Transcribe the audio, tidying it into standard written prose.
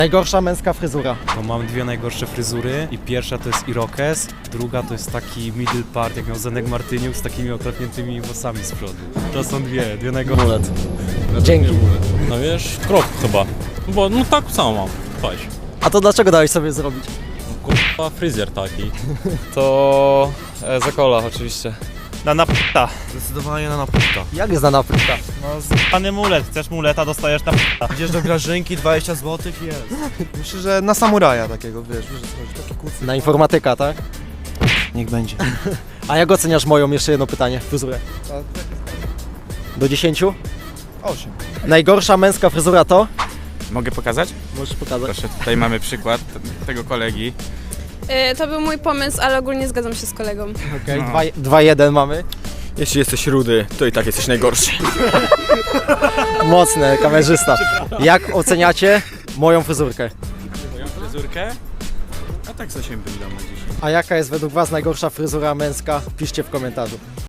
Najgorsza męska fryzura. To mam dwie najgorsze fryzury i pierwsza to jest irokes, druga to jest taki middle part, jak miał Zenek Martyniuk z takimi oklepniętymi włosami z przodu. To są dwie najgorsze. Mulet. Dzięki. No wiesz, krok chyba. Bo no tak samo mam. Patrz. A to dlaczego dałeś sobie zrobić? Kurwa, fryzjer taki. To Zakola oczywiście. Na napta. Zdecydowanie na napłyta. Jak jest na napryta? No pany mulet, chcesz muleta, dostajesz napta. Idziesz do Grażynki, 20 zł i jest. Myślę, że na samuraja takiego, wiesz o co chodzi, taki kucy. Na informatyka, tak? Niech będzie. A jak oceniasz moją, jeszcze jedno pytanie, fryzurę? Do 10? 8. Najgorsza męska fryzura to? Mogę pokazać? Możesz pokazać. Proszę, tutaj mamy przykład tego kolegi. To był mój pomysł, ale ogólnie zgadzam się z kolegą. Okej, 2-1 mamy. Jeśli jesteś rudy, to i tak jesteś najgorszy. Mocne, kamerzysta. Jak oceniacie moją fryzurkę? Moją fryzurkę? A tak z 8 bym dał na 10. A jaka jest według was najgorsza fryzura męska? Piszcie w komentarzu.